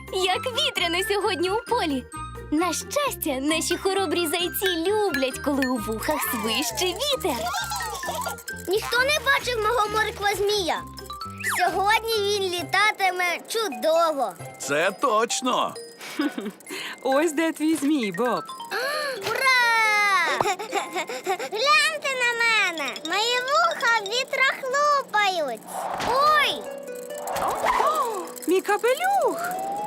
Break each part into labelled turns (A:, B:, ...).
A: Як вітряно сьогодні у полі. На щастя, наші хоробрі зайці люблять, коли у вухах свище вітер.
B: Ніхто не бачив мого морква-змія. Сьогодні він літатиме чудово.
C: Це точно.
D: Ось де твій змій, Боб.
B: Ура! Гляньте на мене! Мої вуха вітра хлопають. Ой!
D: Мій капелюх!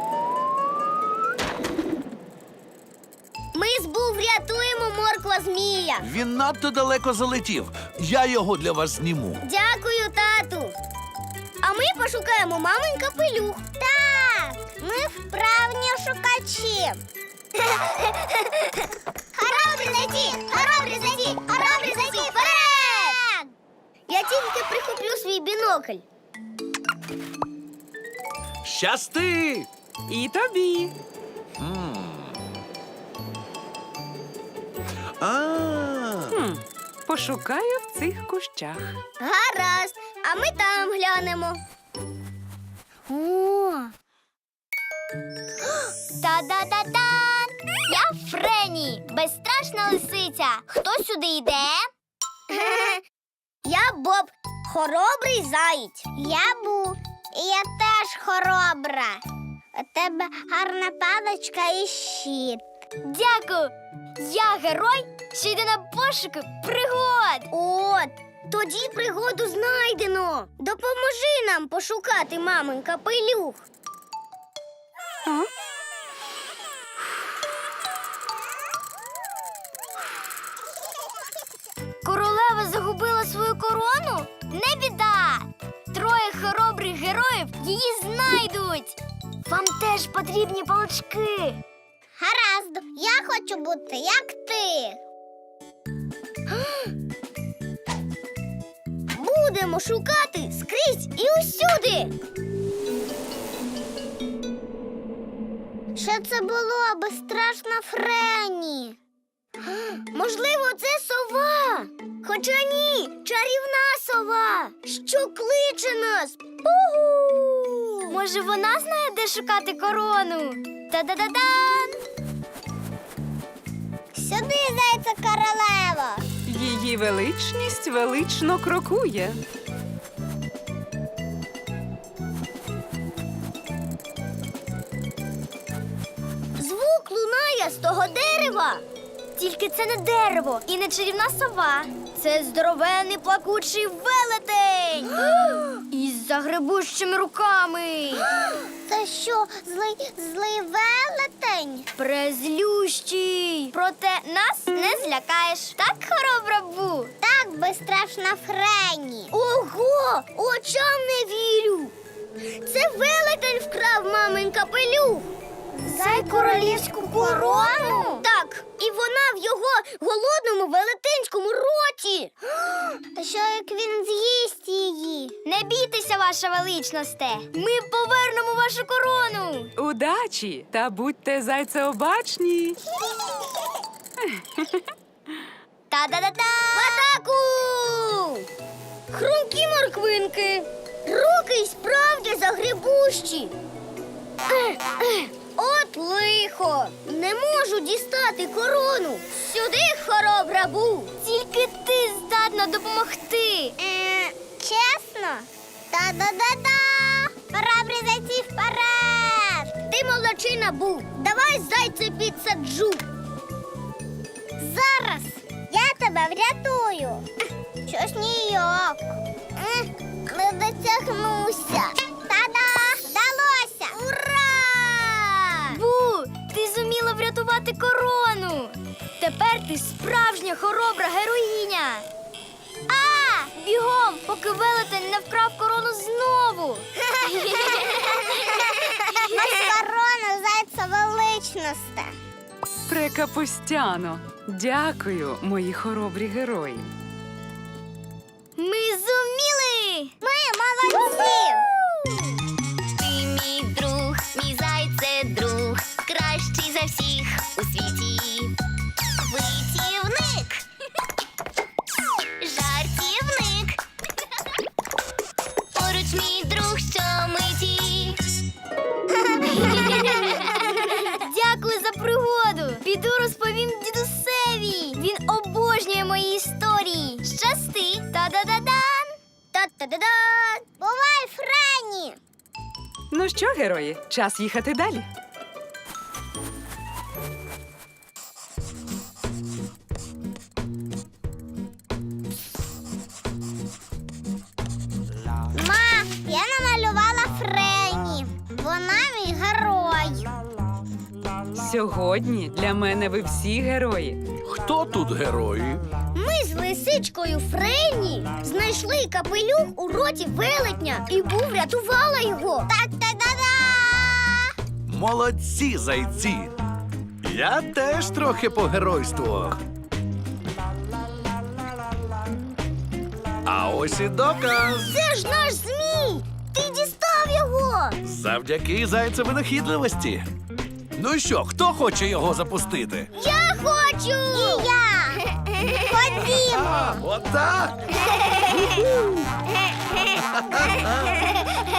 B: Ми з Бу врятуємо морква-змія.
C: Він надто далеко залетів. Я його для вас зніму.
B: Дякую, тату. А ми пошукаємо мамин капелюх. Так, ми вправні шукачі. Хоробрі зайці! Хоробрі зайці! Хоробрі зайці! Вперед! Я тільки прихоплю свій бінокль.
C: Щасти!
D: І тобі. Пошукаю в цих кущах.
B: Гаразд, а ми там глянемо. О! Та-да-да-дан! Я Френі, безстрашна лисиця. Хто сюди йде? Я Боб, хоробрий заєць. Я Бу, і я теж хоробра. У тебе гарна паличка і щит. Дякую. Я герой, що йде на пошуки пригод. От, тоді пригоду знайдено. Допоможи нам пошукати мамин капелюх.
D: А?
B: Королева загубила свою корону? Не біда! Троє хоробрих героїв її знайдуть. Вам теж потрібні палички. Гаразд, я хочу бути як ти. Будемо шукати скрізь і усюди. Що це було, безстрашна Френі? Можливо, це сова. Хоча ні, чарівна сова, що кличе нас. Пугу! Може, вона знає, де шукати корону? Та-да-да-дан! Сюди, зайця королева!
D: Її величність велично крокує.
B: Звук лунає з того дерева. Тільки це не дерево і не чарівна сова. Це здоровенний плакучий велетень. Із загребущими руками. Це що, злий велетень? Презлющий. Проте нас не злякаєш. Так, хоробра Бу? Так, безстрашна Френі. Ого! Очам не вірю. Це велетень вкрав мамин капелюх. Зай королівську корону? Так, і вона в його голодному велетенському роті. Що як він з'їсть її? Не бійтеся, ваша величносте. Ми повернемо вашу корону.
D: Удачі! Та будьте зайцеобачні.
B: Та-да-да-да! В атаку! Хрумкі морквинки. Руки й справді загребущі. От лихо! Не можу дістати корону. Сюди, хоробра Бу! Тільки ти здатна допомогти. Чесно? Та-да-да-да! Хоробрі зайці вперед! Ти молодчина, Бу! Давай зайця підсаджу. Зараз я тебе врятую. Щось ніяк. Не дотягнуся. Та-да! Вдалося! Ура! Бу, ти зуміла врятувати корону. Тепер ти справжня хоробра героїня. Бігом, поки велетень не вкрав корону знову. Корона, зайця величносте.
D: Прекапустяно. Дякую, мої хоробрі герої.
B: Ми зуміли! Ми молодці!
A: Ти мій друг, мій зайце друг, кращий за всіх у світі. Витівник, жартівник, поруч мій друг, що миті.
B: Та-да-да! Бувай, Френі!
D: Ну що, герої, час їхати далі.
B: Ма, я намалювала Френі. Вона мій герой.
D: Сьогодні для мене ви всі герої.
C: Хто тут герої?
B: Ми з лисичкою Френі знайшли капелюх у роті велетня і врятувала його. Так-та-да-да!
C: Молодці, зайці! Я теж трохи погеройствував. А ось і доказ.
B: Це ж наш змій! Ти дістав його!
C: Завдяки зайцеві винахідливості. Ну що, хто хоче його запустити?
B: Я хочу! І я! Ходімо!
C: Отак!